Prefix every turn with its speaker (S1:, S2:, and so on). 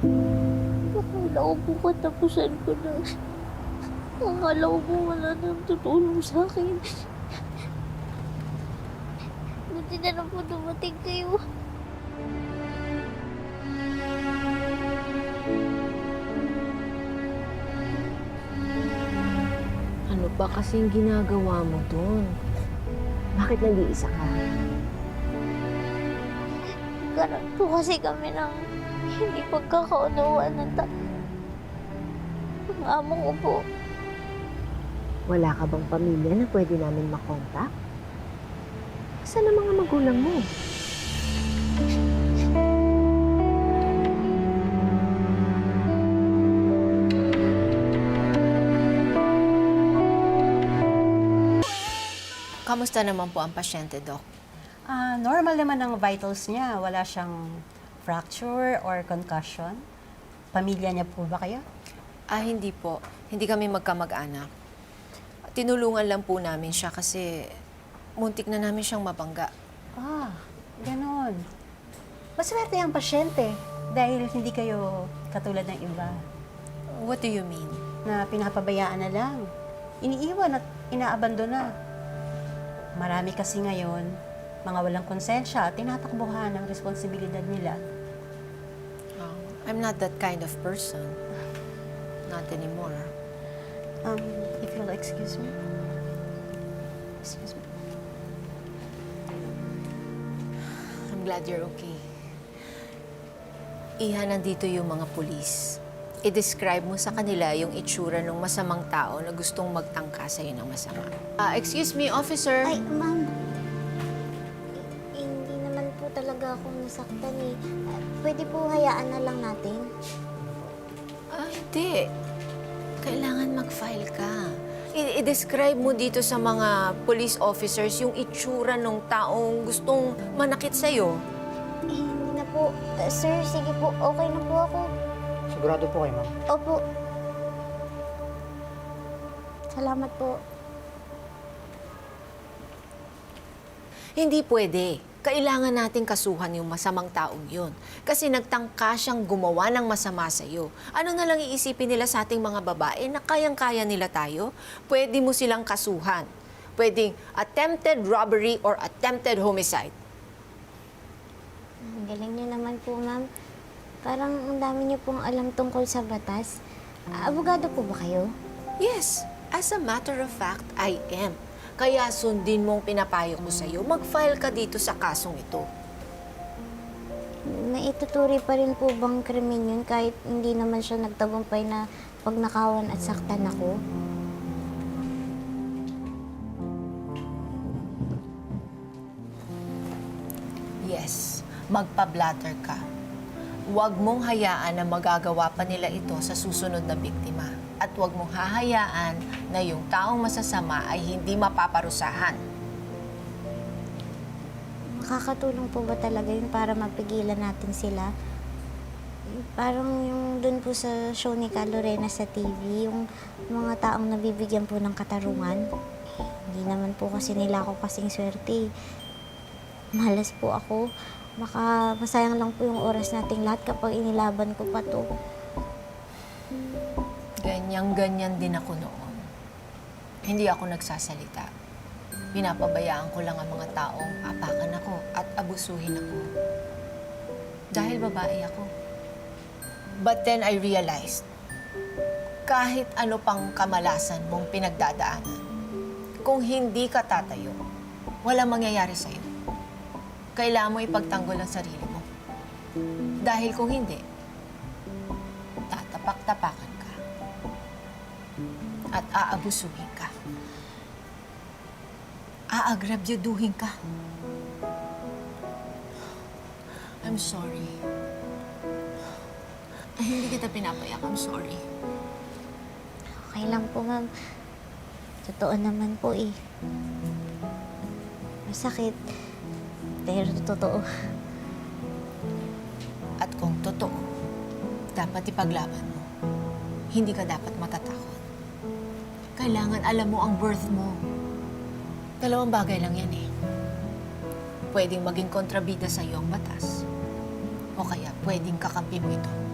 S1: Akala ko po katapusan ko na. Akala ko po wala nang tutulong sa akin. Buti na lang po dumating kayo.
S2: Ano ba kasing ginagawa mo dun? Bakit nag-iisa ka?
S1: Karoon po kasi kami ng hindi pagkakaunawaan ng ng amo ko po.
S2: Wala ka bang pamilya na pwede namin makontak? Saan ang mga magulang mo?
S3: Kamusta naman po ang pasyente, Doc?
S4: Normal naman ang vitals niya. Wala siyang fracture or concussion. Pamilya niya po ba kayo?
S3: Hindi po. Hindi kami magkamag-anak. Tinulungan lang po namin siya kasi muntik na namin siyang mabangga.
S4: Ganon. Maswerte ang pasyente dahil hindi kayo katulad ng iba
S3: What do you mean?
S4: na pinapabayaan na lang. Iniiwan at inaabandona. Marami kasi ngayon, mga walang konsensya at tinatakbuhan ang responsibilidad nila.
S3: I'm not that kind of person. Not anymore.
S4: If you'll excuse me. Excuse me.
S3: I'm glad you're okay. Iha, nandito yung mga pulis. I-describe mo sa kanila yung itsura ng masamang tao na gustong magtangka sa'yo ng masama. Excuse me, officer.
S1: Ay, ma'am. Hindi naman po talaga ako nasaktan eh. Pwede po hayaan na lang natin.
S3: Hindi. Kailangan mag-file ka. I-describe mo dito sa mga police officers yung itsura ng taong gustong manakit sa'yo.
S1: Hindi na po. Sir, sige po. Okay na po ako.
S5: Sigurado po kayo, ma'am.
S1: Opo. Salamat po.
S3: Hindi pwede. Kailangan nating kasuhan yung masamang taong yun. Kasi nagtangka siyang gumawa ng masama sa'yo. Ano na lang iisipin nila sa ating mga babae na kayang-kaya nila tayo? Pwede mo silang kasuhan. Pwedeng attempted robbery or attempted homicide.
S1: Ang galing niyo naman po, ma'am. Parang ang dami niyo pong alam tungkol sa batas. Abogado po ba kayo?
S3: Yes, as a matter of fact, I am. Kaya sundin mong pinapayo ko sa'yo, mag-file ka dito sa kasong ito.
S1: Maituturi pa rin po bang krimen yun kahit hindi naman siya nagtagumpay na pagnakawan at saktan ako?
S3: Yes, magpa-blatter ka. Huwag mong hayaan na magagawa pa nila ito sa susunod na biktima. At huwag mong hahayaan na yung taong masasama ay hindi mapaparusahan.
S1: Makakatulong po ba talaga yun para mapigilan natin sila? Parang yung dun po sa show ni Ka Lorena sa TV, yung mga taong nabibigyan po ng katarungan. Hindi naman po kasi nila ako kasing swerte. Malas po ako. Baka masayang lang po yung oras nating lahat kapag inilaban ko pa to.
S3: Ganyan-ganyan din ako noon. Hindi ako nagsasalita. Pinapabayaan ko lang ang mga taong apakan ako at abusuhin ako. Dahil babae ako. But then I realized, kahit ano pang kamalasan mong pinagdadaanan, kung hindi ka tatayo, walang mangyayari sa'yo. Kailangan mo ipagtanggol ang sarili mo. Dahil kung hindi, tatapak-tapakan ka. At aabusuhin ka. Aagrabyaduhin ka. I'm sorry. Ay, hindi kita pinapayak. I'm sorry.
S1: Okay lang po, ma'am. Totoo naman po eh. Masakit. Pero totoo.
S3: At kung totoo, dapat ipaglaban mo. Hindi ka dapat matatakot. Kailangan alam mo ang worth mo. Dalawang bagay lang yan eh. Pwedeng maging kontrabida sa iyo ang batas. O kaya pwedeng kakampi mo ito.